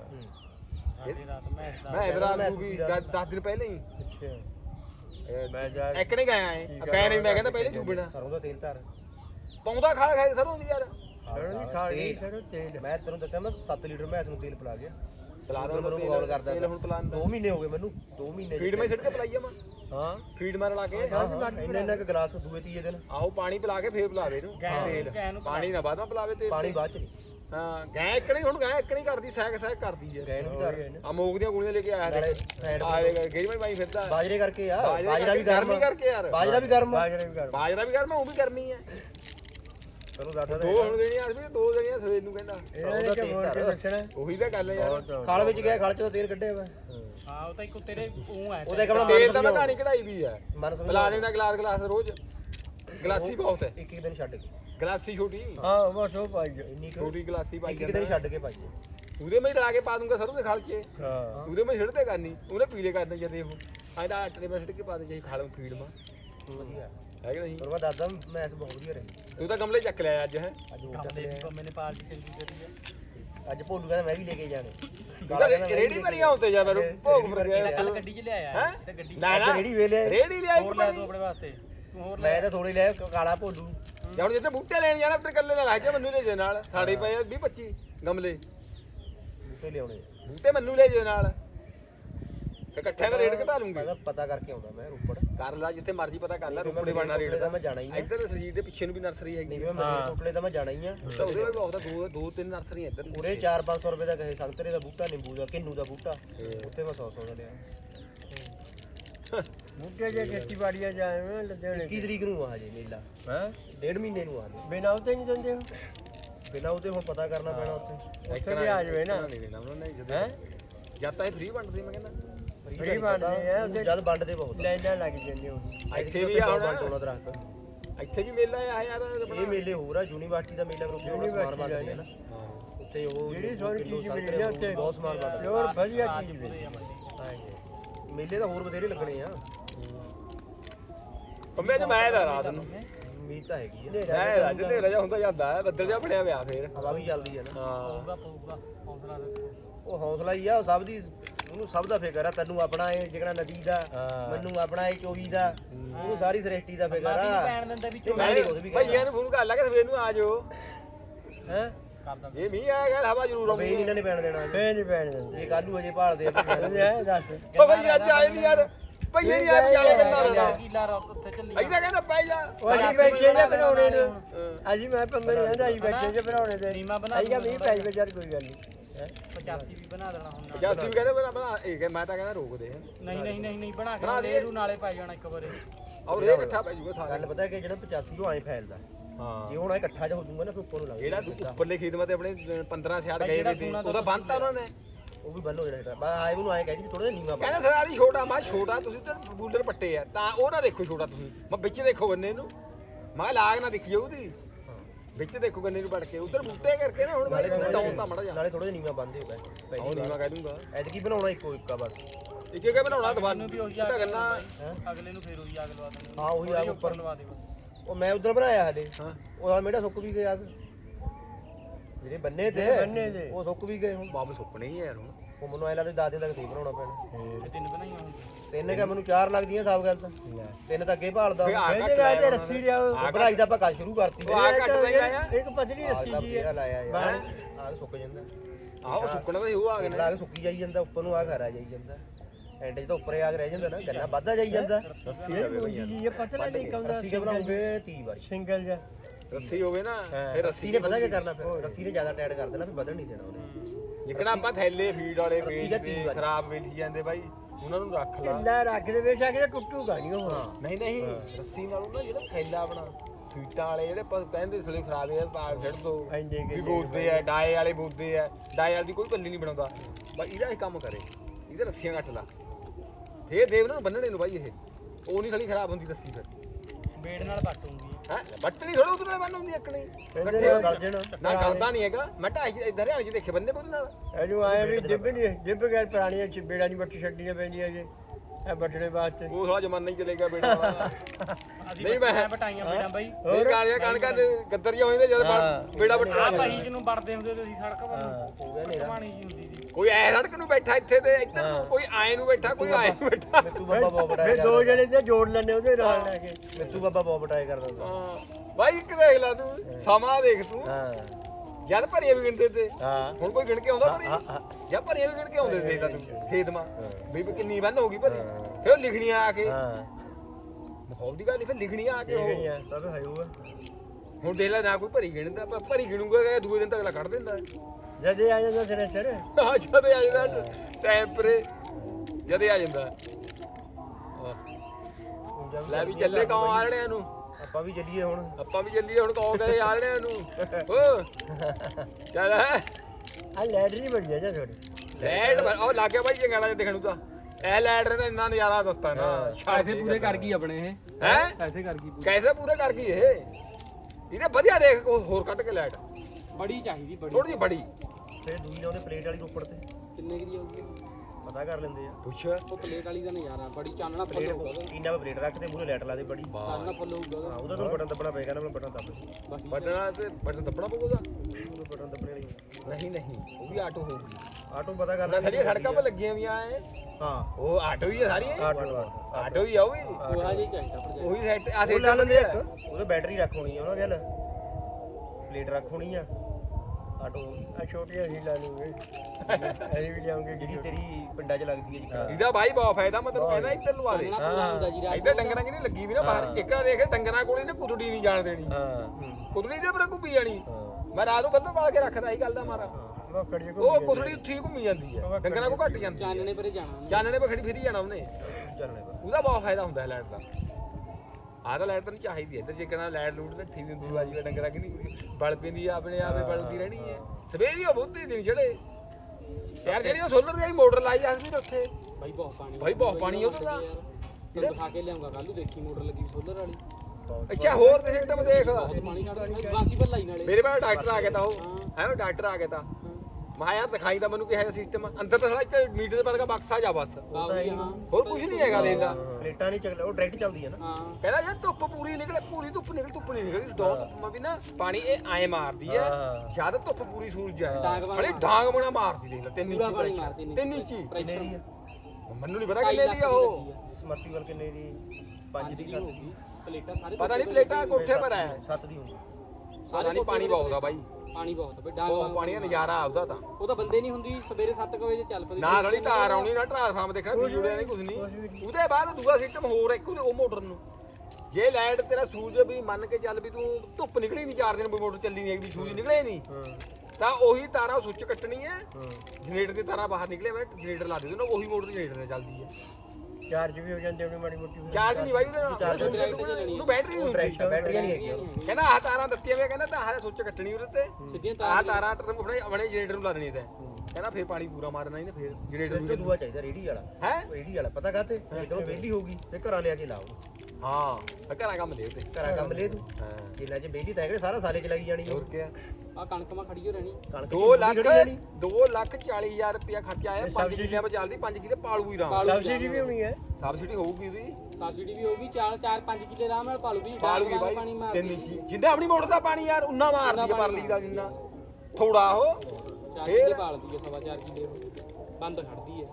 S1: ਮੈਂ ਇਧਰ ਆ ਵੀ ਦਸ ਦਿਨ ਪਹਿਲਾਂ ਹੀ
S4: ਅੱਛਾ ਮੈਂ ਜਾ
S1: ਇੱਕ ਨਹੀਂ ਗਿਆ ਐ ਕਹਿ ਰਹੀ ਮੈਂ ਕਹਿੰਦਾ ਪਹਿਲੇ ਚੂਬਣਾ
S3: ਸਰੋਂ ਦਾ ਤੇਲ ਧਰ
S1: ਪਾਉਂਦਾ ਖਾ ਖਾਏ ਸਰੋਂ ਦੀ ਯਾਰ
S4: ਸਰੋਂ ਦੀ ਖਾਲ ਗਈ ਸਰੋਂ ਤੇਲ
S3: ਮੈਂ ਤੈਨੂੰ ਦੱਸਿਆ ਮੈਂ ਸੱਤ ਲੀਟਰ ਮੈਸ ਨੂੰ ਤੇਲ ਪਿਲਾ ਗਿਆ
S1: ਪਲਾ ਦੋ
S3: ਮੈਨੂੰ ਕਾਲ ਕਰਦਾ
S1: ਤੇਲ ਹੁਣ ਪਲਾਨ
S3: ਦੋ ਮਹੀਨੇ ਹੋ ਗਏ ਮੈਨੂੰ ਦੋ ਮਹੀਨੇ
S1: ਫੀਡ ਮੈਂ ਸਿੱਟ ਕੇ ਪਲਾਈਆ ਮੈਂ
S4: ਹਾਂ
S1: ਫੀਡ ਮਾਰ ਲਾ ਕੇ
S3: ਹਾਂ ਹਾਂ ਇੰਨਾ ਇੰਨਾ ਕੁ ਗਲਾਸ ਦੂਏ ਤੀਏ ਦਿਨ
S1: ਆਹੋ ਪਾਣੀ ਪਿਲਾ ਕੇ ਫੇਰ ਪਿਲਾਵੇ ਇਹਨੂੰ ਤੇਲ ਪਾਣੀ ਨਾ ਬਾਅਦ ਵਿੱਚ ਪਿਲਾਵੇ ਤੇਲ
S3: ਪਾਣੀ ਬਾਅਦ ਚ ਨਹੀਂ
S1: ਹਾਂ ਗਾਂ ਇੱਕ ਨਹੀਂ ਹੁਣ ਗਾਂ ਇੱਕ ਨਹੀਂ ਕਰਦੀ ਸੈਕ ਸੈਕ ਕਰਦੀ ਹੈ
S3: ਗੈਨ ਵੀ ਧਰ
S1: ਆ ਮੂੰਗ ਦੀਆਂ ਗੋਲੀਆਂ ਲੈ ਕੇ ਆਇਆ
S3: ਨਾਲੇ
S1: ਤੇ
S3: ਸਾਈਡ
S1: ਆ ਇਹ ਗਈ ਮੈਂ ਬਾਈ ਫਿਰਦਾ
S3: ਬਾਜਰੇ ਕਰਕੇ ਆ
S1: ਬਾਜਰਾ
S3: ਬਾਜਰਾ ਵੀ ਗਰਮ
S1: ਗਰਮੀ ਕਰਕੇ ਯਾਰ
S3: ਬਾਜਰਾ ਵੀ ਗਰਮ
S4: ਬਾਜਰੇ ਵੀ ਕਰ
S1: ਬਾਜਰਾ ਵੀ ਗਰਮ ਉਹ ਵੀ ਗਰਮੀ ਹੈ
S3: ਤੈਨੂੰ ਦਾਦਾ
S1: ਦੋ ਹੁਣ ਦੇਣੀਆਂ ਵੀ ਦੋ ਦੇਣੀਆਂ ਸਵੇਰ ਨੂੰ ਕਹਿੰਦਾ
S4: ਇਹਨਾਂ ਨੇ ਕਿ ਮੋੜ ਕੇ ਦੱਸਣਾ
S1: ਉਹੀ ਤਾਂ ਗੱਲ ਹੈ ਯਾਰ
S3: ਖਾਲ ਵਿੱਚ ਗਿਆ ਖਾਲ ਚੋਂ ਤੇਲ ਕੱਢਿਆ ਵਾ
S2: ਹਾਂ ਉਹ ਤਾਂ ਇੱਕ ਤੇਰੇ ਉਹ ਹੈ
S3: ਉਹਦੇ ਕਹਣਾ
S1: ਤੇਲ ਤਾਂ ਮੈਂ ਕਹਾਣੀ ਕਢਾਈ ਵੀ ਆ
S3: ਮਨ ਸਮਝ
S1: ਪਿਲਾ ਦਿੰਦਾ ਗਲਾਸ ਗਲਾਸ ਰੋਜ਼ ਗਲਾਸੀ ਬਹੁਤ ਹੈ
S3: ਇੱਕ ਇੱਕ ਦਿਨ ਛੱਡ ਕੇ
S1: ਗਲਾਸੀ ਛੋਟੀ
S4: ਹਾਂ ਬਸ ਉਹ ਪਾਈ ਜਾ
S3: ਇੰਨੀ ਕੁ
S1: ਛੋਟੀ ਗਲਾਸੀ ਪਾਈ
S3: ਇੱਕ ਇੱਕ ਦਿਨ ਛੱਡ ਕੇ ਪਾਈ
S1: ਉਹਦੇ ਮੈਂ ਰਲਾ ਕੇ ਪਾ ਦੂੰਗਾ ਸਰੋਂ ਦੇ ਖਾਲ 'ਚ
S4: ਹਾਂ
S1: ਉਹਦੇ ਮੈਂ ਛਿੜਦੇ ਕਰਨੀ ਉਹਨੇ ਪੀਲੇ ਕਰਨੇ ਜਦੇ ਉਹ ਐਦਾ ਆਟੇ ਮੈਂ ਛਿੜ ਕੇ ਪਾ ਦੇ ਜੇ ਖਾਲ ਫੀਡ ਮਾ
S3: ਵਧੀਆ
S1: ਹੈ ਕਿ ਨਹੀਂ
S3: ਪਰ ਮੈਂ ਦਾਦਾ ਮੈਚ ਬਹੁਤ ਵਧੀਆ ਰਹੀ
S1: ਤੂੰ ਤਾਂ ਗਮਲੇ ਚੱਕ ਲਿਆ ਅੱਜ ਹੈ
S3: ਅੱਜ ਉਹ
S2: ਕੰਮ ਦੇ
S3: ਚੱਲੇ
S2: ਵੀ ਮੈਨੇ ਪਾਰਟੀ ਚੰਗੀ ਕਰੀ ਹੈ
S3: ਅੱਜ ਭੋਲੂ ਕਹਿੰਦਾ ਮੈਂ ਵੀ ਲੈ ਕੇ ਜਾਣੇ
S1: ਰੇੜੀ ਭਰੀਆਂ ਹੁੰਦੇ ਜਾ ਮੈਨੂੰ ਭੋਗ ਫਿਰ ਗਿਆ
S2: ਕੱਲ ਗੱਡੀ 'ਚ ਲਿਆਇਆ
S1: ਹੈ
S2: ਤੇ ਗੱਡੀ
S1: ਨਾ ਨਾ
S3: ਰੇੜੀ ਵੇਲੇ
S1: ਰੇੜੀ ਲਿਆਈ
S2: ਹੋਰ ਲੈ ਤੂੰ ਆਪਣੇ ਵਾਸਤੇ ਤੂੰ ਹੋਰ ਲੈ
S3: ਮੈਂ ਤਾਂ ਥੋੜੀ ਲੈ ਕਾਲਾ ਭੋਲੂ
S1: ਜਾਂ ਹੁਣ ਜਿੱਥੇ ਬੂਟੇ ਲੈਣ ਜਾਣਾ ਉੱਤੇ ਕੱਲੇ ਨਾਲ ਲੱਗ ਜਾ ਮੈਨੂੰ ਲੈ ਜੇ ਨਾਲ ਸਾਡੇ ਪਏ ਵੀਹ ਪੱਚੀ ਗਮਲੇ
S3: ਬੂਟੇ ਲਿਆਉਣੇ
S1: ਬੂਟੇ ਮੈਨੂੰ ਲੈ ਜੇ ਨਾਲ ਤੇ ਇਕੱਠਿਆਂ ਦਾ ਰੇਟ ਘਟਾ ਲੂੰਗੀ
S3: ਮੈਂ ਤਾਂ ਪਤਾ ਕਰਕੇ ਆਉਂਦਾ ਮੈਂ ਰੋਪੜ
S1: ਕਰ ਲੈ ਜਿੱਥੇ ਮਰਜ਼ੀ ਪਤਾ ਕਰ ਲੈ
S3: ਨਹੀਂ
S1: ਰੁਪੜੇ ਬਣਨਾ ਰੇਟ ਦਾ
S3: ਮੈਂ ਜਾਣਾ ਹੀ ਆ
S1: ਇੱਧਰ ਸਰੀਰ ਦੇ ਪਿੱਛੇ ਨੂੰ ਵੀ ਨਰਸਰੀ ਹੈਗੀ
S3: ਨਹੀਂ ਮੈਂ ਟੋਟਲੇ ਤਾਂ ਮੈਂ ਜਾਣਾ ਹੀ ਆ
S1: ਤਾਂ ਉਹਦੇ ਵੀ ਬਹੁਤ ਆ, ਦੋ ਦੋ ਤਿੰਨ ਨਰਸਰੀਆਂ ਇੱਧਰ ਨੂੰ।
S3: ਉਰੇ ਚਾਰ ਪੰਜ ਸੌ ਰੁਪਏ ਦਾ ਕਹੇ ਸੰਤਰੇ ਦਾ ਬੂਟਾ ਨਿੰਬੂ ਦਾ ਕਿੰਨੂ ਦਾ ਬੂਟਾ ਉੱਤੇ ਮੈਂ ਸੌ ਸੌ ਦਾ ਲਿਆ
S4: ਮੁੱਕੇ ਜੇ ਖੇਤੀਬਾੜੀਆਂ ਜਾਏ ਨਾ ਲੁਧਿਆਣੇ
S3: ਇੱਕੀ ਤਰੀਕ ਨੂੰ ਆ ਹਜੇ ਮੇਲਾ
S4: ਹੈ
S3: ਡੇਢ ਮਹੀਨੇ ਨੂੰ ਆ ਜੇ
S4: ਬਿਨਾਂ ਉਤੇ ਨਹੀਂ ਦਿੰਦੇ ਉਹ
S3: ਬਿਨਾਂ ਉਹਦੇ ਹੁਣ ਪਤਾ ਕਰਨਾ ਪੈਣਾ ਉੱਥੇ
S4: ਉੱਥੇ ਵੀ ਆ ਜਾਵੇ ਨਾ
S1: ਨਹੀਂ ਦੇਣਾ ਉਹਨਾਂ ਨੇ ਜਦੋਂ
S4: ਹੈ
S1: ਜਦ ਤਾਂ ਇਹ ਫ੍ਰੀ ਵੰਡਦੇ ਮੈਂ ਕਹਿੰਦਾ
S3: ਫਰੀ
S4: ਬਣਦੇ ਆ, ਉਹਦੇ-
S3: ਜਦ ਵੰਡਦੇ ਬਹੁਤ
S4: ਲਾਈਨਾਂ ਲੱਗ ਜਾਂਦੀਆਂ ਉਹ
S1: ਇੱਥੇ ਵੀ ਆ ਹੁਣ
S3: ਉਹਨਾਂ ਦਰਖਤ
S1: ਇੱਥੇ ਵੀ ਮੇਲਾ ਆ ਯਾਰ
S3: ਇਹ ਮੇਲੇ ਹੋਰ ਆ ਯੂਨੀਵਰਸਿਟੀ ਦਾ ਮੇਲਾ ਗਰੁੱਪ ਜਿਹੜਾ ਸਮਾਨ ਵੰਡਦੇ ਆ ਨਾ ਉੱਥੇ ਉਹ
S4: ਜਿਹੜੀ ਸੋਹਣੀ
S3: ਕਿਲੋ
S4: ਚੀਜ਼
S3: ਸੰਤਰੇ
S4: ਮਿਲੀ ਆ ਉੱਥੇ
S3: ਬਹੁਤ ਸਮਾਨ ਵੰਡਦੇ
S4: ਪਿਓਰ ਵਧੀਆ ਚੀਜ਼
S2: ਦੇ
S4: ਮਿਲੀ
S2: ਆ ਮੰਡੀ
S3: ਮੇਲੇ ਤਾਂ ਹੋਰ ਬਥੇਰੇ ਲੱਗਣੇ ਆ
S1: ਕੰਮੇ ਚ ਮੈਂ ਦਾ ਰਾਤ ਨੂੰ
S3: ਉਮੀਦ ਤਾਂ ਹੈਗੀ ਆ
S1: ਮੈਂ ਅੱਜ ਹਨੇਰਾ ਜਿਹਾ ਹੁੰਦਾ ਜਾਂਦਾ ਹੈ ਬੱਦਲ ਜਿਹਾ ਬਣਿਆ ਪਿਆ ਫੇਰ
S3: ਹਵਾ ਵੀ ਚੱਲਦੀ ਆ ਨਾ
S1: ਹਾਂ
S2: ਪਊਗਾ ਪਊਗਾ ਹੌਸਲਾ ਰੱਖੋ
S3: ਉਹ ਹੌਸਲਾ ਹੀ ਆ ਉਹ ਸਭ ਦੀ ਉਹਨੂੰ ਸਭ ਦਾ ਫਿਕਰ ਆ ਤੈਨੂੰ ਆਪਣਾ ਇਹ ਜਿਹੜਾ ਨਦੀ ਦਾ
S4: ਹਾਂ।
S3: ਮੈਨੂੰ ਆਪਣਾ ਇਹ ਚੋਈ ਦਾ ਉਹਨੂੰ ਸਾਰੀ ਸ੍ਰਿਸ਼ਟੀ ਦਾ ਫਿਕਰ
S2: ਮਾਪੀ ਨੂੰ
S3: ਆ
S2: ਪੈਣ ਦਿੰਦਾ ਵੀ
S3: ਤੇ ਮੈਂ ਨਹੀਂ ਕੁਝ ਵੀ
S1: ਭਈਆਂ ਨੂੰ ਫੋਨ ਕਰ ਲਾ ਕੇ ਸਵੇਰ ਨੂੰ ਆ ਜਾਓ
S4: ਹੈ
S2: ਕਰਦਾ
S1: ਜੇ ਮੀਂਹ ਆ ਗਿਆ ਹਵਾ ਜ਼ਰੂਰ
S3: ਬਈ
S1: ਆਉਂਦੀ
S3: ਇਹਨਾਂ ਨੇ ਪੈਣ ਦੇਣਾ
S4: ਫੇਰ ਨਹੀਂ ਪੈਣ ਦਿੰਦੇ
S3: ਇਹ ਕੱਲੂ ਹਜੇ ਭਾਲਦੇ ਆ
S4: ਇਹ ਦੱਸ
S1: ਓ ਭਈ ਅੱਜ ਆਏ ਨਹੀਂ ਯਾਰ ਭਈਏ ਨਹੀਂ ਆਏ ਵਿਚਾਲੇ ਕੰਨਾਂ ਰਹਿਣਾ
S2: ਕੀਲਾ ਰੋਕ ਉੱਥੇ ਚੱਲੀ
S1: ਐਦਾਂ ਕਹਿੰਦਾ ਪੈ ਜਾ
S4: ਉਹ ਅਸੀਂ ਬੈਠੇ ਨੇ ਬਣਾਉਣੇ ਨੂੰ ਅਸੀਂ ਮੈਂ ਪੰਮੇ ਨੇ ਕਹਿੰਦਾ ਅਸੀਂ ਬੈਠੇ ਜੇ ਬਣਾਉਣੇ ਤੇ
S2: ਨੀਮਾ ਬਣਾ
S4: ਆਈਗਾ ਵੀ ਪੈ ਜਾਵੇ ਯਾਰ ਕੋਈ ਗੱਲ ਨਹੀਂ
S2: ਪਚਾਸੀ ਵੀ ਬਣਾ ਦੇਣਾ ਹੁਣ ਨਾਲ।
S1: ਜਾਤੀ ਵੀ ਕਹਿੰਦੇ ਬਣਾ ਬਣਾ ਇਹ ਕਿ ਮੈਂ ਤਾਂ ਕਹਿੰਦਾ ਰੋਕ ਦੇ
S2: ਨਹੀਂ ਨਹੀਂ ਨਹੀਂ ਨਹੀਂ ਬਣਾ
S1: ਬਣਾ
S2: ਕੇ
S1: ਦੇ।
S2: ਇਹਨੂੰ ਨਾਲੇ ਪੈ ਜਾਣਾ ਇੱਕ ਵਾਰੇ
S1: ਔਰ ਇਹ ਇਕੱਠਾ ਪੈ ਜੂਗਾ ਸਾਰਾ
S3: ਗੱਲ ਪਤਾ ਕਿ ਜਿਹੜਾ ਪਚਾਸੀ ਉਹ ਐ ਫੈਲਦਾ
S1: ਹਾਂ
S3: ਜੇ ਹੁਣ ਇਹ ਇਕੱਠਾ ਜਿਹਾ ਹੋ ਜਾਊਗਾ ਨਾ ਫਿਰ ਉੱਪਰ ਨੂੰ ਲੱਗ
S1: ਜਿਹੜਾ ਤੂੰ ਉੱਪਰਲੇ ਖੇਤ ਮਤੇ ਆਪਣੇ ਪੰਦਰਾਂ ਸਿਆੜ ਗਏ ਵੇ ਸੀ ਉਹਦਾ ਬੰਨਤਾ ਉਹਨਾਂ ਨੇ
S3: ਉਹ ਵੀ ਬੰਨ ਹੋ ਜਾਣਾ ਬਸ ਆਏ ਨੂੰ ਆਏ ਕਹਿੰਦੀ ਥੋੜਾ ਜਿਹਾ ਨੀਵਾ ਪਾ
S1: ਕਹਿੰਦਾ ਸਰਾਰੀ ਛੋਟਾ ਮੈਂ ਕਿਹਾ ਛੋਟਾ ਤੁਸੀਂ ਤਾਂ ਬੂਲਰ ਪੱਟੇ ਆ ਤਾਂ ਉਹ ਨਾ ਦੇਖੋ ਛੋਟਾ ਤੁਸੀਂ ਮੈਂ ਵਿੱਚ ਦੇਖੋ ਗੰਨੇ ਨੂੰ ਮੈਂ ਕਿਹਾ ਲਾਗ ਨਾ ਦੇਖੀ ਉਹਦੀ ਵਿੱਚ ਦੇਖੋ ਗੰਨੇ ਨੂੰ ਵੜ ਕੇ ਉਧਰ ਬੂਟੇ ਕਰਕੇ ਨਾ ਹੁਣ ਮੈਂ ਡਾਊਨ ਤਾਂ ਮੜਾ ਜਾ
S3: ਨਾਲੇ ਥੋੜਾ ਜਿਹਾ ਨੀਵਾ ਬੰਦੇ ਹੋ ਗਏ
S1: ਉਹ
S3: ਪਹਿਲੀ
S1: ਨਹੀਂ ਮੈਂ
S3: ਵਾਰ
S1: ਕਹਿ ਦੂੰਗਾ
S3: ਐਤਕੀ ਬਣਾਉਣਾ ਇੱਕੋ ਇੱਕਾ ਬਸ
S1: ਇੱਕ ਇੱਕ ਬਣਾਉਣਾ ਦੁਬਾਰਾ
S2: ਨੂੰ ਵੀ ਉਹੀ
S1: ਤਾਂ ਗੰਨਾ
S3: ਹੈਂ?
S2: ਅਗਲੇ ਨੂੰ ਫੇਰ ਉਹੀ ਆਗ ਲਵਾ ਦੇਣੀ
S3: ਹਾਂ ਉਹੀ ਆ ਉੱਪਰ
S2: ਲਵਾ ਦੇ ਬਸ
S3: ਉਹ ਮੈਂ ਉਧਰ ਬਣਾਇਆ ਹਲੇ
S1: ਹਾਂ
S3: ਉਹ ਆ ਮੇਰਾ ਸੁੱਕ ਵੀ ਗਿਆ ਜਿਹੜੇ ਬੰਨੇ ਤੇ
S4: ਬੰਨੇ ਤੇ।
S3: ਉਹ ਸੁੱਕ ਵੀ ਗਏ ਹੁਣ
S1: ਬਾਬੂ ਸੁੱਕਣੇ ਹੀ ਆ ਯਾਰ ਹੁਣ
S3: ਉਹ ਮੈਨੂੰ ਐ ਲੱਗਦਾ ਦਸ ਦਿਨ ਤੱਕ ਤੀ ਬਣਾਉਣਾ ਪੈਣਾ
S2: ਇਹ ਤਿੰਨ ਬਣਾਈਆਂ ਹੁਣ
S3: ਤਿੰਨ ਕਿ ਮੈਨੂੰ ਚਾਰ ਲੱਗਦੀਆਂ ਸਾਬ ਗੱਲ ਤਾਂ ਤਿੰਨ ਤਾਂ ਅੱਗੇ ਭਾਲਦਾ
S1: ਫੇ ਆ
S4: ਇਹਦੇ
S1: ਕੱਟ
S4: ਨਾਲ ਤੇ
S1: ਲਾਇਆ
S4: ਰੱਸੀ ਰਿਆ
S3: ਉਹ ਭਰਾਈ ਦਾ ਆਪਾਂ ਕੱਲ ਸ਼ੁਰੂ ਕਰਤੀ
S1: ਉਹ ਆ ਕੱਟ ਦੇ ਆਇਆ
S4: ਇੱਕ ਪਤਲੀ ਰੱਸੀ ਜੀ ਹੈ
S3: ਲਾਇਆ ਯਾਰ ਆਹ ਸੁੱਕ ਜਾਂਦਾ
S1: ਆਹੋ ਸੁੱਕਣਾ ਤਾਂ ਉਹ ਆ ਗਏ
S3: ਲਾ ਕੇ ਸੁੱਕੀ ਜਾਈ ਜਾਂਦਾ ਉੱਪਰ ਨੂੰ ਆ ਘਰ ਆ ਜਾਈ ਜਾਂਦਾ ਐਂਡ 'ਚ ਤਾਂ ਉੱਪਰੇ ਆ ਕੇ ਰਹਿ ਜਾਂਦਾ ਨਾ ਗੰਨਾ ਵੱਧਦਾ ਜਾਈ ਜਾਂਦਾ
S1: ਰੱਸੀ
S4: ਇਹ
S1: ਹੋਵੇ
S4: ਪੂੰਜੀ ਜੀ ਇਹ ਪਤਲਾ ਨਹੀਂ ਕਉਂਦਾ
S3: ਰੱਸੀ ਕੇ ਬਣਾਉਂਗੇ ਤੀਹ ਵਾਰੀ
S4: ਸਿੰਗਲ ਜਾ
S1: ਰੱਸੀ ਹੋਵੇ ਨਾ ਫੇ ਰੱਸੀ
S3: ਰੱਸੀ ਨੇ ਪਤਾ ਕੀ ਕਰਨਾ ਫਿਰ ਰੱਸੀ ਨੇ ਜ਼ਿਆਦਾ ਟਾਈਟ ਕਰ ਦੇਣਾ ਫਿਰ ਵਧਣ ਨਹੀਂ ਦੇਣਾ ਉਹਨੇ
S1: ਜਿੱਕਣਾ ਆਪਾਂ ਥੈਲੇ ਫੀਡ ਵਾਲੇ
S3: ਰੱਸੀ ਦਾ
S1: ਵੇਚਦੇ
S3: ਤੀਹ ਵਾਰੀ।
S1: ਖਰਾਬ ਵੇਚੀ ਜਾਂਦੇ ਬਾਈ ਉਹਨਾਂ ਨੂੰ ਰੱਖ ਲਾ
S4: ਕਿੱਲਾ ਰੱਖ ਦੇ ਵੇਚ ਆ ਕੇ ਟੁੱਟੂਗਾ ਨਹੀਂ ਉਹ
S1: ਨਹੀਂ ਨਹੀਂ ਰੱਸੀ ਨਾਲੋਂ ਨਾ ਜਿਹੜਾ ਥੈਲਾ ਆਪਣਾ ਫੀਟਾਂ ਵਾਲੇ ਜਿਹੜੇ ਆਪਾਂ ਕਹਿੰਦੇ ਥਲੇ ਖਰਾਬ ਹੈ ਪਾ ਛੱਡ ਦੋ
S4: ਐਂਦੇ
S1: ਵੀ ਬੋਲਦੇ ਆ ਡਾਏ ਵਾਲੇ ਬੋਲਦੇ ਆ ਡਾਏ ਵਾਲੀ ਦੀ ਕੋਈ ਪੱਲੀ ਨਹੀਂ ਬਣਾਉਂਦਾ ਬਈ ਇਹਦਾ ਇਹ ਕੰਮ ਕਰੇ ਇਹਦੇ ਰੱਸੀਆਂ ਕੱਟ ਲਾ ਫੇਰ ਦੇਵ ਨੂੰ ਬੰਨਣੇ ਨੂੰ ਬਾਈ ਇਹ ਉਹ ਨਹੀਂ ਥਲੀ ਖਰਾਬ ਹੁੰਦੀ ਰੱਸੀ ਫਿਰ
S2: ਬੇੜ ਨਾਲ ਪੱਟੂਗੀ
S1: ਹੈ ਬੱਟਣੀ ਥੋੜਾ ਉਧਰ ਬੰਨ ਹੁੰਦੀ ਇੱਕਣੀ
S3: ਇਕੱਠੇ ਹੋ ਗਲ ਜਾਣਾ
S1: ਨਾ ਕਰਦਾ ਨਹੀਂ ਹੈਗਾ ਮੈਂ ਢਾਈ ਇਧਰ ਹਰਿਆਣੇ ਚ ਦੇਖੇ ਬੰਦੇ ਬੋਲ ਨਾਲ
S4: ਇਹਨੂੰ ਆਏ ਵੀ ਜਿੱਬ ਨਹੀਂ ਜਿੱਬ ਗੈਰ ਪੁਰਾਣੀਆਂ ਚਿਬੇੜਾਂ ਨਹੀਂ ਬੱਟ ਛੱਡੀਆਂ ਪੈਂਦੀਆਂ ਜੇ ਇਹ ਬੱਟਣੇ ਵਾਸਤੇ
S1: ਉਹ ਥੋੜਾ ਜ਼ਮਾਨਾ ਹੀ ਚਲੇਗਾ ਬੇੜਾ ਵਾਲਾ ਨਹੀਂ ਮੈਂ
S2: ਬਟਾਈਆਂ ਬੇੜਾਂ ਬਾਈ
S1: ਇਹ ਗਾਲੀਆਂ ਕਣਕਾਂ ਦੇ ਗੱਦਰ ਜਿਹਾ ਹੋ ਜਾਂਦੇ ਜਦ
S4: ਹਾਂ।
S1: ਬੇੜਾ
S2: ਆ
S1: ਬੱਟਾ
S2: ਭਾਈ ਜਿਹਨੂੰ ਵੜਦੇ ਹੁੰਦੇ ਤੇ ਅਸੀਂ ਸੜਕ ਵੱਲ
S3: ਹੋ ਗਿਆ ਨੇਰਾ
S2: ਪਾਣੀ ਜੀ ਹੁੰਦੀ ਸੀ
S1: ਕੋਈ ਐ ਸੜਕ ਨੂੰ ਬੈਠਾ ਇੱਥੇ ਤੇ ਇੱਧਰ ਨੂੰ ਕੋਈ ਆਏ ਨੂੰ ਬੈਠਾ ਕੋਈ ਆਏ ਨੂੰ ਬੈਠਾ
S3: ਮਿੱਤੂ ਬਾਬਾ ਬਹੁਤ
S4: ਫਿਰ
S3: ਬਟਾਇਆ
S4: ਦੋ ਜਣੇ ਤੇ ਜੋੜ ਲੈਣੇ ਉਹਦੇ ਨਾਲ ਲੈ ਕੇ
S3: ਮਿੱਤੂ ਬਾਬਾ ਬਹੁਤ ਬਟਾਇਆ ਕਰਦਾ ਹੁੰਦਾ
S1: ਹਾਂ ਬਾਈ ਇੱਕ ਦੇਖ ਲੈ ਤੂੰ ਸਮਾਂ ਦੇਖ ਤੂੰ
S4: ਹਾਂ
S1: ਜਦ ਭਰੀਏ ਵੀ ਗਿਣਦੇ ਤੇ
S4: ਹਾਂ
S1: ਹੁਣ ਕੋਈ ਗਿਣ ਕੇ ਆਉਂਦਾ ਭਰੀ
S4: ਹਾਂ, ਹਾਂ।
S1: ਜਾਂ ਭਰੀਏ ਵੀ ਗਿਣ ਕੇ ਆਉਂਦੇ ਦੇਖ ਲੈ ਤੂੰ ਖੇਤ ਮਾ ਵੀ ਵੀ ਕਿੰਨੀ ਬੰਨ ਹੋ ਗਈ ਭਰੀ ਫੇਰ ਉਹ ਲਿਖਣੀਆਂ ਆ ਕੇ
S4: ਹਾਂ
S1: ਮਾਹੌਲ ਦੀ ਗੱਲ ਨਹੀਂ ਫਿਰ ਲਿਖਣੀਆਂ ਆ ਕੇ ਉਹ
S4: ਲਿਖਣੀਆਂ।
S3: ਤਾਂ ਵੀ ਹਾਈ ਹੋਊਗਾ
S1: ਹੁਣ ਦੇਖ ਲੈ ਨਾ ਕੋਈ ਭਰੀ ਗਿਣਦਾ ਪਰ ਭਰੀ ਗਿਣੂਗਾ ਦੂਏ ਦਿਨ ਤੱਕ ਅਗਲਾ ਕੱਢ ਦਿੰਦਾ
S4: ਜਦੇ ਆ ਜਾਂਦਾ ਸਿਰੇ ਸਿਰ
S1: ਆ ਜਦੇ ਆ ਜਾਂਦਾ ਟਾਈਮ ਪਰੇ ਜਦੇ ਆ ਜਾਂਦਾ ਲੈ ਵੀ ਚੱਲੇ ਕੌਣ ਆ ਰਣਿਆਂ ਨੂੰ
S3: ਆਪਾਂ ਵੀ ਚੱਲੀਏ ਹੁਣ।
S1: ਆਪਾਂ ਵੀ ਚੱਲੀਏ ਹੁਣ ਕਹੋ ਗਏ ਯਾਰੜਿਆਂ ਨੂੰ ਓ ਚੱਲ ਹੈ
S4: ਆ ਲੈਟ ਨਹੀਂ ਬੜੀ ਜਾ ਥੋੜੀ
S1: ਲੈਟ ਉਹ ਲੱਗ ਗਿਆ ਬਾਈ ਚੰਗਾ ਲੱਗ ਦੇਖਣ ਨੂੰ ਤਾਂ ਇਹ ਲੈਟ ਨੇ ਤਾਂ ਇੰਨਾ ਨਜ਼ਾਰਾ ਦਿੱਤਾ ਨਾ
S2: ਪੈਸੇ ਪੂਰੇ ਕਰ ਗਈ ਆਪਣੇ ਇਹ
S1: ਹੈ
S2: ਪੈਸੇ ਕਰ ਗਈ ਪੂਰੇ
S1: ਕੈਸੇ ਪੂਰੇ ਕਰ ਗਈ ਇਹ ਇਹਦੇ ਵਧੀਆ ਦੇਖ ਕੋਈ ਹੋਰ ਕੱਢ ਕੇ ਲੈਟ
S2: ਬੜੀ ਚਾਹੀਦੀ ਬੜੀ
S1: ਥੋੜੀ ਜਿਹੀ ਬੜੀ
S3: ਤੇ ਦੂਜੀ ਲਾਉਂਦੇ ਪਲੇਟ ਵਾਲੀ ਰੋਪੜ ਤੇ
S2: ਕਿੰਨੇ ਕੀ ਦੀ ਆਊਗੀ
S3: ਪਤਾ ਕਰ ਲੈਂਦੇ ਆ।
S1: ਪੁੱਛ
S2: ਉਹ ਪਲੇਟ ਵਾਲੀ ਦਾ ਨਜ਼ਾਰਾ ਬੜੀ ਚਾਨਣਾ ਫੁੱਲ
S3: ਪਲੇਟ
S2: ਹੋਊਗਾ ਉਹਦਾ
S3: ਟੀਨਾ 'ਤੇ ਪਲੇਟ ਰੱਖਦੇ ਮੂਹਰੇ ਲਾਈਟ ਲਾ ਦੇ ਬੜੀ।
S2: ਚਾਨਣਾ ਫੁੱਲ ਹੋਊਗਾ
S3: ਹਾਂ
S2: ਉਹਦਾ
S3: ਉਹਦਾ ਤੁਹਾਨੂੰ ਬਟਨ ਦੱਬਣਾ ਪਏਗਾ ਨਾ ਬਟਨ ਦੱਬ
S2: ਬਸ ਠੀਕ ਹੈ।
S1: ਬਟਨ ਤੇ ਬਟਨ ਦੱਬਣਾ ਪਊਗਾ ਉਹਦਾ
S3: ਉਹਦਾ ਬਟਨ ਦੱਬਣੇ ਵਾਲੀ
S1: ਨਹੀਂ ਨਹੀਂ ਉਹ ਵੀ ਆਟੋ ਹੋਊਗੀ
S3: ਆਟੋ ਪਤਾ ਕਰ
S1: ਨਾ
S3: ਲੈ
S1: ਸਾਡੀਆਂ ਸੜਕਾਂ 'ਤੇ ਲੱਗੀਆਂ ਵੀਆਂ ਐ
S3: ਹਾਂ
S1: ਉਹ ਆਟੋ ਹੀ ਆ ਸਾਰੀਆਂ
S3: ਆਟੋ
S1: ਆਟੋ ਹੀ ਆ ਉਹ ਵੀ
S2: ਉਹਾ ਜਿਹਾ ਚਾਹੀਦਾ ਪਰ
S1: ਉਹੀ ਸੈਟ ਆ
S3: ਉਹ
S1: ਸੈਟ
S3: ਲਾ ਲੈਂਦੇ ਇੱਕ ਉਹਦੇ ਬੈਟਰੀ ਰੱਖ ਹੋਣੀ ਆ ਉਹਨਾਂ ਗੱਲ ਪਲੇਟ ਰੱਖ ਹੋਣੀ ਆ ਆਟੋ
S4: ਆ ਛੋਟੀਆਂ ਹੀ ਲਾ ਲੂਗੇ ਅਸੀਂ ਵੀ ਲਿਆਉਂਗੇ
S3: ਜਿਹੜੀ ਤੇਰੀ ਪਿੰਡਾਂ 'ਚ ਲੱਗਦੀ ਹੈ ਜੀ।
S1: ਇਹਦਾ ਬਾਈ ਬਹੁਤ ਫਾਇਦਾ ਮੈਂ ਤੈਨੂੰ ਕਹਿੰਦਾ ਇੱਧਰ ਲਵਾ ਦੇ
S2: ਚਾਨਣਾ ਪੂਰਾ ਹੁੰਦਾ ਜੀ ਰਾਤ
S1: ਇੱਧਰ ਡੰਗਰਾਂ ਕਿ ਨਹੀਂ ਲੱਗੀ ਵੀ ਨਾ ਬਾਹਰ ਕਿੱਕਾ ਦੇਖ ਡੰਗਰਾਂ ਕੋਲ ਇਹਨੇ ਕੁਦੜੀ ਨਹੀਂ ਜਾਣ ਦੇਣੀ
S4: ਹਾਂ
S1: ਕੁਦੜੀ ਦੇ ਪਰ ਘੁੰਮੀ ਜਾਣੀ
S4: ਹਾਂ
S1: ਮੈਂ ਰਾਤ ਨੂੰ ਬੰਦੋਂ ਪਾਲ ਕੇ ਰੱਖਦਾ ਇਹ ਗੱਲ ਦਾ ਮਾਰਾ
S4: ਉਹ ਕੜੀ
S1: ਉਹ ਕੁਦੜੀ ਉੱਥੇ ਹੀ ਘੁੰਮੀ ਜਾਂਦੀ ਹੈ ਡੰਗਰਾਂ ਕੋ ਘੱਟ ਜਾਂਦੀ ਹੈ
S2: ਚਾਨਣੇ ਪਰੇ ਜਾਣਾ ਉਹਨੇ।
S1: ਚਾਨਣੇ ਪੇ ਖੜੀ ਫਿਰੀ ਜਾਣਾ ਉਹਨੇ
S3: ਚੱਲਣੇ ਪਰ
S1: ਉਹਦਾ ਬਹੁਤ ਫਾਇਦਾ ਹੁੰਦਾ ਹੈ ਲਾਈਟ ਦਾ ਆਹ ਤਾਂ ਲਾਈਟ ਤਾਂ ਨਹੀਂ ਚਾਹੀਦੀ ਇੱਧਰ ਜੇ ਕਿਹਨਾਂ ਲਾਈਟ ਲੂਟ ਤੇ ਠੀਕ ਹੁੰਦੀ ਬਾਜੀ ਵਾ ਡੰਗਰਾਂ ਕਿ ਨਹੀਂ ਬਲ ਪੈਂਦੀ ਆ ਆਪਣੇ ਆਪੇ ਬਲਦੀ ਰਹਿਣੀ ਹੈ ਸਵੇਰੀ ਉਹ ਬੁੱਧੀ ਦਿਨ ਜਿਹੜੇ ਯਾਰ ਜਿਹੜੀ ਉਹ ਸੋਲਰ ਦੀ ਮੋਟਰ ਲਾਈ ਆ ਵੀ ਉੱਥੇ
S2: ਬਾਈ ਬਹੁਤ ਪਾਣੀ
S1: ਬਾਈ ਬਹੁਤ ਪਾਣੀ ਉਹਦਾ ਤਾਂ।
S2: ਇਹਦੇ ਦਿਖਾ ਕੇ ਲਿਆਉਂਗਾ ਕੱਲ ਨੂੰ ਦੇਖੀ ਮੋਟਰ ਲੱਗੀ ਸੋਲਰ ਵਾਲੀ
S1: ਅੱਛਾ ਹੋਰ ਤੇ ਸਿਸਟਮ ਦੇਖ
S2: ਬਹੁਤ ਪਾਣੀ ਕੱਢਦਾ ਬਾਸੀ ਭੱਲਾ ਹੀ ਨਾਲੇ
S1: ਮੇਰੇ ਕੋਲ ਡਾਕਟਰ ਆ ਗਿਆ ਤਾਂ ਉਹ ਹੈ ਉਹ ਡਾਕਟਰ ਆ ਗਿਆ ਤਾਂ ਮੈਂ ਯਾਰ ਦਿਖਾਈ ਤਾਂ ਮੈਨੂੰ ਕਿਹਾ ਸਿਸਟਮ ਅੰਦਰ ਤਾਂ ਸਾਲਾ ਇੱਕ ਮੀਟਰ ਦੇ ਵਰਗਾ ਬਕਸਾ ਜਾ ਬਸ
S2: ਬਾਬੂ ਜੀ ਹਾਂ
S1: ਹੋਰ ਕੁਝ ਨਹੀਂ ਹੈਗਾ ਦੇਖ ਲਾ
S3: ਪਲੇਟਾਂ ਨਹੀਂ ਚੱਲ ਉਹ ਡਾਇਰੈਕਟ ਚੱਲਦੀ ਹੈ ਨਾ
S2: ਹਾਂ
S1: ਕਹਿੰਦਾ ਯਾਰ ਧੁੱਪ ਪੂਰੀ ਨਿਕਲੇ ਪੂਰੀ ਧੁੱਪ ਨਿਕਲ ਧੁੱਪ ਨਹੀਂ ਨਿਕਲਦੀ ਦੋ ਧੁੱਪ ਵੀ ਨਾ ਪਾਣੀ ਇਹ ਐ ਮਾਰਦੀ ਹੈ ਜਦ ਧੁੱਪ ਪੂਰੀ ਸੂਰਜ ਹੈ
S2: ਡਾਂਗ ਬਣਾ
S1: ਹਲੇ ਡਾਂਗ ਬਣਾ ਮਾਰਦੀ ਦੇਖ ਲੈ ਤਿੰਨ
S2: ਪੂਰਾ
S1: ਇੰਚੀ
S2: ਪਾਣੀ ਮਾਰਦੀ ਨਹੀਂ
S1: ਤਿੰਨ ਇੰਚੀ
S3: ਕਿੰਨੇ ਦੀ ਆ
S1: ਮੈਨੂੰ ਨਹੀਂ ਪਤਾ ਕਿੰਨੇ ਦੀ ਆ ਉਹ
S3: ਸਮਰਸੀਬਲ ਕਿੰਨੇ ਦੀ ਪੰਜ ਦੀ ਸੱਤ ਦੀ
S2: ਪਲੇਟਾਂ ਸਾਰੇ
S1: ਪਤਾ ਨਹੀਂ ਪਲੇਟਾਂ ਕੋਠੇ ਪਰ ਹੈ
S3: ਸੱਤ ਦੀ ਹੋਣੀ
S1: ਪਤਾ ਨਹੀਂ ਪਾਣੀ ਬਹੁਤ ਆ ਬਾਈ
S2: ਪਾਣੀ ਬਹੁਤ ਬਈ ਡਾਂਗ
S1: ਬਹੁਤ ਪਾਣੀ ਦਾ ਨਜ਼ਾਰਾ ਆਉਦਾ ਤਾਂ
S2: ਉਹ ਤਾਂ ਬੰਦੇ ਨਹੀਂ ਹੁੰਦੀ ਸਵੇਰੇ ਸੱਤ ਵਜੇ ਚੱਲ ਪਈ
S1: ਨਾ ਥੋੜੀ ਧਾਰ ਆਉਣੀ ਨਾ ਟ੍ਰਾਂਸਫਾਰਮ ਦੇਖਣਾ ਕੁਝ ਜੁੜਿਆ ਨਹੀਂ ਕੁਝ ਨਹੀਂ ਉਹਦੇ ਬਾਅਦ ਦੂਆ ਸਿਸਟਮ ਹੋਰ ਇੱਕ ਉਹ ਮੋਟਰ ਨੂੰ ਜੇ ਲਾਈਟ ਤੇਰਾ ਸੂਰਜ ਵੀ ਮੰਨ ਕੇ ਚੱਲ ਵੀ ਤੂੰ ਧੁੱਪ ਨਿਕਲੀ ਨਹੀਂ ਚਾਰ ਦਿਨ ਵੀ ਮੋਟਰ ਚੱਲੀ ਨਹੀਂ ਵੀ ਸੂਰਜ ਨਿਕਲੇ ਨਹੀਂ ਤਾਂ ਉਹੀ ਤਾਰਾਂ ਸੁੱਚ ਕੱਟਣੀ ਹੈ ਜਨਰੇਟਰ ਦੀ ਤਾਰਾਂ ਬਾਹਰ ਨਿਕਲੇ ਵੇ ਜਨਰੇਟਰ ਲਾ ਦੇ ਦੇਣਾ ਉਹੀ ਮੋਟਰ ਜਨਰੇਟਰ ਨਾਲ ਚੱਲਦੀ ਹੈ
S4: ਚਾਰਜ ਵੀ ਹੋ ਜਾਂਦੇ ਉਹਨੇ ਮਾੜੀ ਮੋਟੀ
S1: ਚਾਰਜ ਨਹੀਂ ਬਾਈ ਉਹਦੇ ਨਾਲ
S3: ਚਾਰਜ
S1: ਉਹਨੂੰ ਬੈਟਰੀ ਨਹੀਂ ਹੁੰਦੀ
S3: ਡਾਇਰੈਕਟ ਬੈਟਰੀਆਂ ਨਹੀਂ ਹੈਗੀਆਂ
S1: ਕਹਿੰਦਾ ਆਹ ਤਾਰਾਂ ਦਿੱਤੀਆਂ ਵੇ ਕਹਿੰਦਾ ਤਾਂ ਆਹ ਸੁੱਚ ਕੱਟਣੀ ਉਹਦੇ ਤੇ
S2: ਸਿੱਧੀਆਂ
S1: ਆਹ ਤਾਰਾਂ ਟਰਮ ਆਪਣੇ ਆਪਣੇ ਜਨਰੇਟਰ ਨੂੰ ਲਾ ਦੇਣੀ ਤੇ ਕਹਿੰਦਾ ਫੇਰ ਪਾਣੀ ਪੂਰਾ ਮਾਰਨਾ ਇਹਨੇ ਫੇਰ ਜਨਰੇਟਰ
S3: ਤੇ
S1: ਨੂੰ
S3: ਦੂਆ ਚਾਹੀਦਾ ਰੇੜੀ ਵਾਲਾ
S1: ਹੈ
S3: ਰੇੜੀ ਵਾਲਾ ਪਤਾ ਕਾਤੇ ਜਦੋਂ ਬਿਜਲੀ ਹੋਊਗੀ ਫੇ ਘਰਾਂ ਲਿਆ ਕੇ ਲਾਓ
S1: ਹਾਂ ਮੈਂ ਘਰਾਂ ਕੰਮ ਦੇ ਤੇ
S3: ਘਰਾਂ ਕੰਮ ਲੈ ਤੂੰ
S1: ਹਾਂ
S3: ਜਿੰਨਾ ਚ ਬਿਜਲੀ ਤਾਂ ਹੈਗੇ ਸਾਰਾ ਸਾਲੇ ਚਲਾਈ ਜਾਣੀ ਆ
S1: ਹੋਰ ਕੀ
S2: ਆ ਕਣਕ ਮਾ ਖੜੀ ਹੋ ਰਹਿਣੀ
S3: ਕਣਕ
S1: ਦੋ ਲੱਖ ਦੋ ਲੱਖ ਚਾਲੀ ਹਜ਼ਾਰ ਰੁਪਇਆ ਖਰਚਾ ਆਇਆ ਪੰਜ ਕਿੱਲਿਆਂ 'ਤੇ ਚੱਲਦੀ ਪੰਜ ਕਿੱਲੇ ਪਾਲੂ ਹੀ ਰਾਮ
S4: ਸਬਸਿਡੀ ਵੀ ਹੋਣੀ ਹੈ
S1: ਸਬਸਿਡੀ ਹੋਊਗੀ ਉਹਦੀ
S2: ਸਬਸਿਡੀ ਵੀ ਹੋਊਗੀ ਚਾਰ ਚਾਰ ਪੰਜ ਕਿੱਲੇ ਆਰਾਮ ਨਾਲ ਪਾਲੂ ਵੀ
S1: ਪਾਲੂ ਹੀ ਬਾਈ
S2: ਪਾਣੀ ਮਾਰ
S1: ਤਿੰਨ ਇੰਚੀ ਜਿੰਦਾ ਆਪਣੀ ਮੋਟਰ ਦਾ ਪਾਣੀ ਯਾਰ ਉਨਾ ਮਾਰਦੀ ਆ ਪਰਲੀ ਦਾ ਜਿੰਨਾ ਥੋੜਾ ਉਹ
S2: ਚਾਰ ਕਿੱਲੇ ਪਾਲਦੀ ਹੈ ਸਵਾ ਚਾਰ ਕਿੱਲੇ ਉਹ। ਬੰਦ ਖੜਦੀ ਹੈ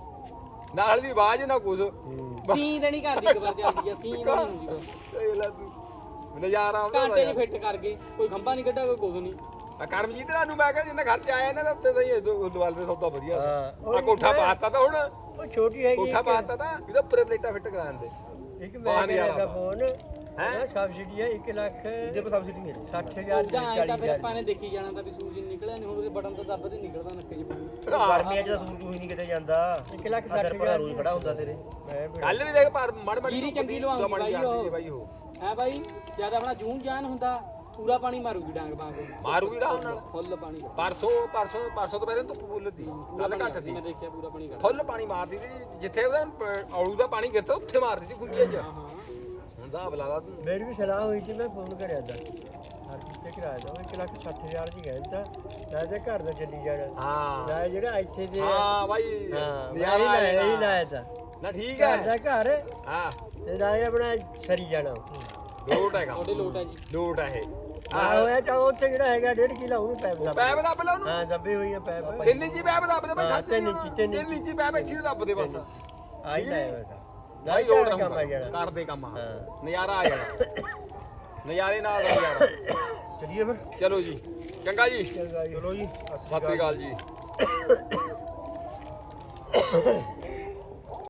S1: ਨਾਲ ਦੀ ਆਵਾਜ਼ ਨਾ ਕੁਝ
S2: ਸੀਂ ਤੇ ਨਹੀਂ ਕਰਦੀ ਇੱਕ ਵਾਰ ਚੱਲਦੀ ਹੈ ਸੀਂ ਨਹੀਂ ਹੁੰਦੀ ਬਸ
S1: ਇਹ ਲੈ ਤੂੰ ਨਜ਼ਾਰਾ ਆਉਂਦਾ
S2: ਘੰਟੇ 'ਚ ਫਿੱਟ ਕਰ ਗਏ ਕੋਈ ਖੰਭਾ ਨਹੀਂ ਕੱਢਾ ਕੋਈ ਕੁਝ ਨਹੀਂ
S1: ਆ ਕਰਮਜੀਤ ਨੂੰ ਮੈਂ ਕਿਹਾ ਜਿੰਨਾ ਖਰਚਾ ਆਇਆ ਇਹਨਾਂ ਦਾ ਉੱਤੇ ਤਾਂ ਹੀ ਦੁਆਲ ਦੇ ਸੌਦਾ ਵਧੀਆ
S4: ਹਾਂ
S1: ਆ ਕੋਠਾ ਪਾਤਾ ਤਾਂ ਹੁਣ
S4: ਉਹ ਛੋਟੀ ਹੈਗੀ
S1: ਕੋਠਾ ਪਾਤਾ ਤਾਂ ਇਹਦਾ ਉੱਪਰ ਪਲੇਟਾਂ ਫਿੱਟ ਕਰਾ ਦਿੰਦੇ
S4: ਇੱਕ ਮੈਂ ਮੇਰਾ ਫੋਨ
S1: ਹੈਂ?
S4: ਹੈ ਸਬਸਿਡੀ ਹੈ ਇੱਕ ਲੱਖ
S3: ਇਹਦੇ ਪਰ ਸਬਸਿਡੀ ਨਹੀਂ ਹੈ
S4: ਸੱਠ ਹਜ਼ਾਰ ਦੀ
S2: ਜਾਂ ਐਂ ਤਾਂ
S4: ਚਾਲੀ
S2: ਫਿਰ
S4: ਹਜ਼ਾਰ
S2: ਆਪਾਂ ਨੇ ਦੇਖੀ ਜਾਣਾ ਤਾਂ ਵੀ ਸੂਰਜ ਨਿਕਲਿਆ ਨਹੀਂ ਹੁਣ ਉਹਦੇ ਬਟਨ ਤਾਂ ਦੱਬ ਤੇ ਨਿਕਲਦਾ ਨੱਕੇ 'ਚ ਪਾਣੀ
S3: ਗਰਮੀਆਂ ਚ ਤਾਂ ਸੂਰਜ ਹੀ ਨਹੀਂ ਕਿਤੇ ਜਾਂਦਾ
S4: ਇੱਕ ਲੱਖ
S3: ਅਸਰ
S4: ਸੱਠ
S3: ਪਰ
S4: ਹਜ਼ਾਰ
S3: ਰੋਜ਼ ਖੜਾ ਹੁੰਦਾ ਤੇਰੇ
S4: ਮੈਂ ਫਿਰ-
S1: ਕੱਲ ਵੀ ਦੇਖ ਪਰ ਮੜ ਮੜ
S2: ਜੀਰੀ ਚੰਗੀ ਲਵਾਉਂਦੀ ਬਾਈ ਉਹ।
S1: ਬਾਈ ਉਹ
S2: ਹੈ ਬਾਈ ਜਦ ਆਪਣਾ ਜੂਨ ਜਾਨ ਹੁੰਦਾ ਪੂਰਾ ਪਾਣੀ ਮਾਰੂਗੀ ਡਾਂਗ ਬਾਂਗ
S1: ਮਾਰੂਗੀ ਆਰਾਮ ਨਾਲ
S2: ਫੁੱਲ ਪਾਣੀ
S1: ਪਰਸੋਂ ਪਰਸੋਂ ਪਰਸੋਂ ਤੋਂ ਪਹਿਲਾਂ ਧੁੱਪ ਬੁੱਲਦੀ ਕੱਲ ਘੱਟ ਦੀ
S2: ਮੈਂ ਦੇਖਿਆ ਪੂਰਾ ਪਾਣੀ ਕੱਢ
S1: ਫੁੱਲ ਪਾਣੀ ਮਾਰਦੀ ਸੀ ਜਿੱਥੇ ਉਹਦਾ ਪ- ਔਲੂ ਦਾ ਪਾਣੀ ਗਿਰਦਾ ਉੱਥੇ ਮਾਰਦੀ ਸੀ ਗੁੰਝੇ 'ਚ
S2: ਹਾਂ ਹਾਂ
S1: ਹੁਣ ਦਾ ਬਲਾ ਤੂੰ
S4: ਮੇਰੀ ਵੀ ਸਲਾਹ ਹੋਈ ਸੀ ਮੈਂ ਫੋਨ ਕਰਿਆ ਦਾ ਹਰ ਕਿਤੇ ਕਿਰਾਇਆ ਦਾ ਉਹ ਇੱਕ ਲੱਖ ਸੱਠ ਹਜ਼ਾਰ ਦੀ ਕਹਿੰਦਾ ਤਾਂ ਤੇ ਘਰ ਦਾ ਚੱਲੀ ਜਾਣਾ
S1: ਹਾਂ
S4: ਮੈਂ ਜਿਹੜਾ ਇੱਥੇ ਦੇ
S1: ਹਾਂ ਬਾਈ
S4: ਹਾਂ ਮੈਂ
S1: ਨਜ਼ਾਰਾ
S4: ਹੀ ਲਾਇਆ
S1: ਆਏਗਾ।
S4: ਹੀ ਲਾਇਆ ਤਾਂ
S1: ਨਾ ਠੀਕ
S4: ਘਰ ਦਾ
S1: ਹੈ
S4: ਘਰ
S1: ਹਾਂ
S4: ਤੇ ਨਾਲੇ ਆਪਣਾ ਸਰੀ ਜਾਣਾ
S1: ਲੋਟ ਹੈਗਾ
S2: ਤੁਹਾਡੇ ਲੋਟ ਹੈ ਜੀ
S1: ਲੋਟ ਹੈ ਇਹ
S4: ਆਹ ਹੋਇਆ ਤਾਂ ਉੱਥੇ ਜਿਹੜਾ ਹੈਗਾ ਡੇਢ ਕਿਲਾ ਉਹਨੂੰ ਪੈਪ ਦਾ
S1: ਪੈਪ ਦੱਬ ਲਾ ਉਹਨੂੰ
S4: ਹਾਂ ਦੱਬੇ ਹੋਈਆਂ ਪੈਪ
S1: ਤਿੰਨ ਇੰਚੀ ਪੈਪ ਦੱਬ ਦੇ
S4: ਹਾਂ,
S1: ਭਾਈ
S4: ਤਿੰਨ ਇੰਚੀ, ਤਿੰਨ
S1: ਤਿੰਨ ਇੰਚੀ ਪੈਪ ਇੱਥੇ ਹੀ ਦੱਬ ਦੇ ਬਸ
S4: ਆਈ ਲਾਇਆ ਹੋਇਆ ਤਾਂ
S1: ਭਾਈ
S4: ਨਾਲੇ
S1: ਲੋਟ
S4: ਕੰਮ ਆ ਜਾਣਾ
S1: ਕਰਦੇ ਕੰਮ ਆ
S4: ਹਾਂ।
S1: ਨਜ਼ਾਰਾ ਆ ਜਾਣਾ ਨਜ਼ਾਰੇ ਨਾਲ ਦਾ ਨਜ਼ਾਰਾ
S3: ਚਲਿਏ ਫਿਰ
S1: ਚਲੋ ਜੀ ਚੰਗਾ ਜੀ
S4: ਚੰਗਾ ਜੀ
S3: ਚਲੋ ਜੀ
S1: ਸਤਿ ਸ੍ਰੀ ਅਕਾਲ ਜੀ